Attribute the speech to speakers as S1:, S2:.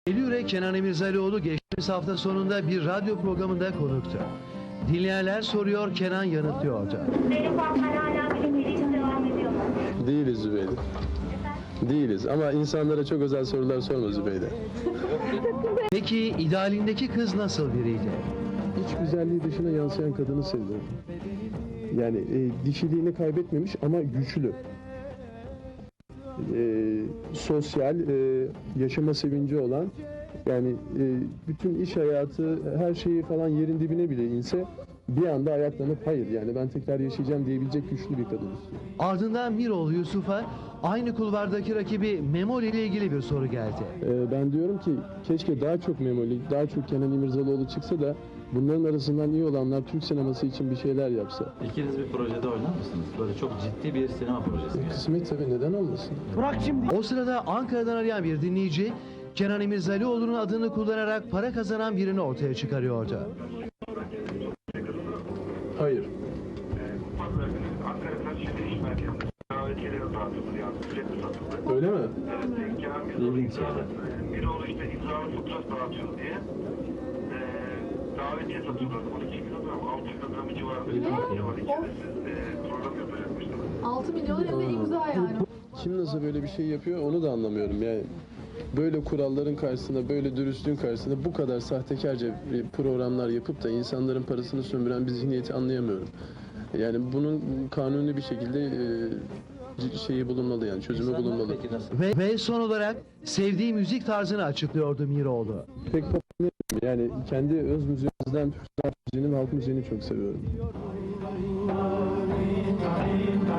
S1: Eylül'e Kenan İmirzalıoğlu geçtiğimiz hafta sonunda bir radyo programında konuktu. Dinleyenler soruyor, Kenan yanıtlıyordu.
S2: Benim Fatma'yla hala bilim için devam ediyor mu?
S3: Değiliz Zübeyde. Değiliz ama insanlara çok özel sorular sorma Zübeyde.
S1: Peki idealindeki kız nasıl biriydi?
S3: İç güzelliği dışına yansıyan kadını seviyorum. Yani dişiliğini kaybetmemiş ama güçlü. Sosyal, yaşama sevinci olan, yani bütün iş hayatı, her şeyi falan yerin dibine bile inse bir anda ayaklanıp hayır yani ben tekrar yaşayacağım diyebilecek güçlü bir kadın istiyorum.
S1: Ardından Miroğlu Yusuf'a aynı kulvardaki rakibi Memoli ile ilgili bir soru geldi.
S3: Ben diyorum ki keşke daha çok Memoli, daha çok Kenan İmirzalıoğlu çıksa da bunların arasından iyi olanlar Türk sineması için bir şeyler yapsa.
S4: İkiniz bir projede oynar mısınız? Böyle çok ciddi bir sinema projesi.
S3: Kısmet tabii, neden olmasın?
S1: O sırada Ankara'dan arayan bir dinleyici, Kenan İmirzalıoğlu'nun adını kullanarak para kazanan birini ortaya çıkarıyordu.
S3: Hayır.
S5: Pazar günü Ankara'da şimdi iş merkezinde davetiyeleri dağıtıldı yani sürekli satıldı.
S3: Öyle mi?
S5: Evet, Kenan
S4: İlginç şeyler.
S5: Miroğlu işte imzalı fotoğraf dağıtıyor diye davetiye satıyorlardı. 12 kilogram, 6 kilogramı civarında bir davetiye var içerisinde. Program yapacakmışlar.
S6: 6 milyon hem de imza yani.
S3: Kim nasıl böyle bir şey yapıyor onu da anlamıyorum yani. Böyle kuralların karşısında, böyle dürüstlüğün karşısında bu kadar sahtekarca programlar yapıp da insanların parasını sömüren bir zihniyeti anlayamıyorum. Yani bunun kanuni bir şekilde şeyi bulunmalı, yani çözümü
S4: İnsanlar
S3: bulunmalı.
S4: peki nasıl?
S1: Ve son olarak sevdiği müzik tarzını açıklıyordu Miroğlu.
S3: Pek pop dinlemiyorum. Yani kendi öz müziğimizden Türk sanat müziğini ve halk müziğini çok seviyorum.